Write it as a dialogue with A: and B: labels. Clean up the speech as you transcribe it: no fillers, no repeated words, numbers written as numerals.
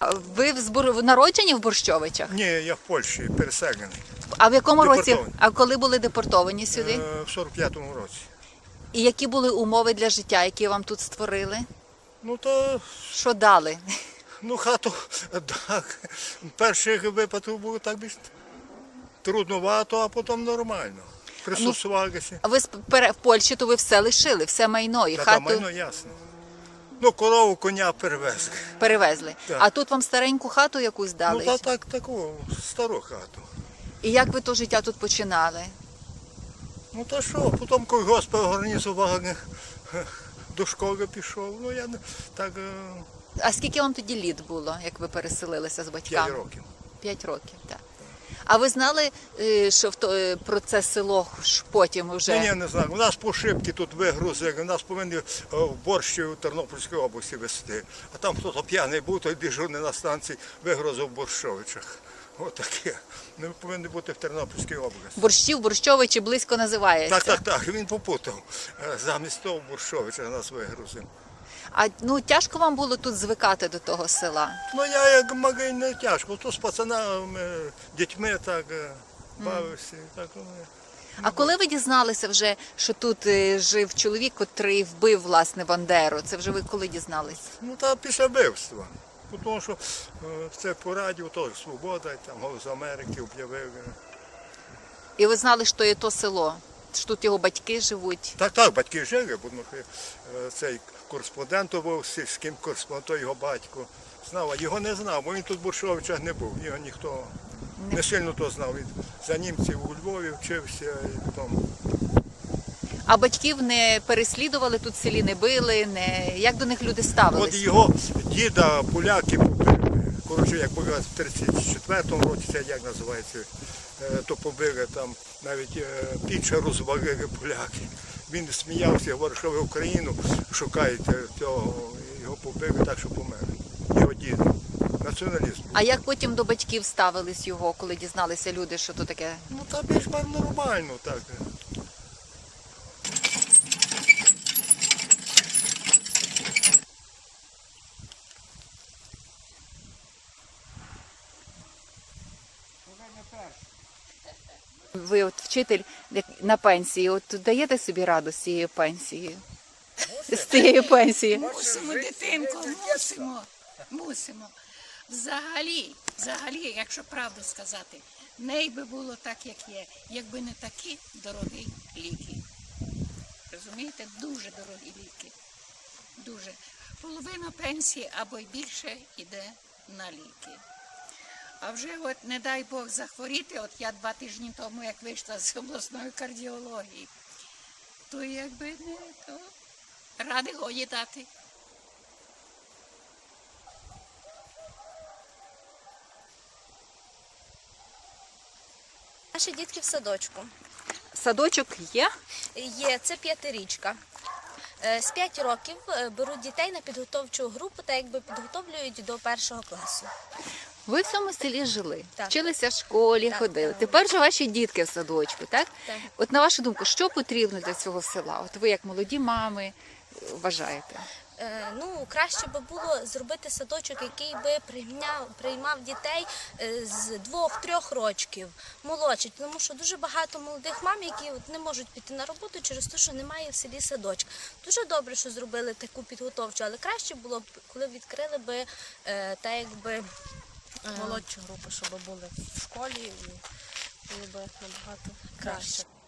A: Ви народжені в Борщовичах?
B: Ні, я в Польщі, переселений.
A: А в якому році?
B: Депортований.
A: А коли були депортовані сюди?
B: В 45-му році.
A: І які були умови для життя, які вам тут створили?
B: Ну то,
A: Що дали?
B: ну хату, так, перших випадків було так більш трудновато, а потім нормально. Пристосувалися.
A: А ви в Польщі, то ви все лишили, все майно і
B: Та
A: хату
B: майно ясно. Ну, корову, коня перевезли.
A: перевезли.
B: Так.
A: А тут вам стареньку хату якусь дали?
B: Ну, таку, стару хату.
A: І як ви то життя тут починали?
B: Ну, та що, потім колгосп організував, до школи пішов. Ну, я так,
A: А скільки вам тоді літ було, як ви переселилися з
B: 5
A: батьками?
B: років.
A: 5 років, так. А ви знали, що про це село ж потім вже?
B: Ні, не знаю. У нас по шибки тут вигрузили, нас повинні в Борщі у Тернопільській області везти. А там хтось п'яний був, той дежурний на станції вигрузив в Борщовичах. Отаке. Ми повинні бути в Тернопільській області.
A: Борщів, Борщовичі близько називається.
B: Так, він попутав. Замість того в Борщовичах нас вигрузив.
A: А тяжко вам було тут звикати до того села?
B: Ну, я як магазин не тяжко, то з пацанами, дітьми так бавився. Так,
A: А коли ви дізналися вже, що тут жив чоловік, котрий вбив, власне, Бандеру? Це вже ви коли дізналися?
B: ну, та після вбивства. Тому що це по радіо, то «Свобода», там «Голос Америки» об'явив.
A: І ви знали, що є то село? Що тут його батьки живуть?
B: Так, батьки жили, бо цей кореспондент був, сільським кореспондентом, його батько знав, а його не знав, бо він тут в Борщовичах не був, його ніхто не сильно то знав. Він за німців у Львові вчився і потім.
A: А батьків не переслідували тут в селі, не били, як до них люди
B: От
A: ставилися?
B: його діда поляки побили. Коротше, як були в 34-му році, це як називається, то побили там, навіть піч розвалили поляки. Він сміявся, говорив, що ви Україну шукаєте цього, його побили так, що помер. Його діда. Націоналізм.
A: А як потім до батьків ставились його, коли дізналися люди, що то таке?
B: Ну, та більш-менш нормально так.
A: Ви от вчитель на пенсії, от даєте собі раду з цією пенсією? З цією пенсією?
C: Мусимо, дитинко, мусимо. Взагалі, якщо правду сказати, не би було так, як є, якби не такі дорогі ліки. Розумієте? Дуже дорогі ліки. Дуже. Половина пенсії або й більше йде на ліки. А вже от, не дай Бог, захворіти, от я 2 тижні тому, як вийшла з обласної кардіології, то якби не то ради годі дати.
D: Наші дітки в садочку.
A: Садочок є?
D: Є, це 5-річка. З 5 років беруть дітей на підготовчу групу, та якби підготовлюють до 1-го класу.
A: Ви в цьому селі жили,
D: Так.
A: вчилися в школі,
D: Так,
A: ходили.
D: так.
A: Тепер же ваші дітки в садочку, так?
D: Так.
A: От на вашу думку, що потрібно для цього села? От ви як молоді мами вважаєте?
D: Краще би було зробити садочок, який би приймав дітей з 2-3 років, молодших, тому що дуже багато молодих мам, які не можуть піти на роботу через те, що немає в селі садочка. Дуже добре, що зробили таку підготовчу, але краще було б, коли відкрили би молодші групи, щоб були в школі, і було б набагато краще.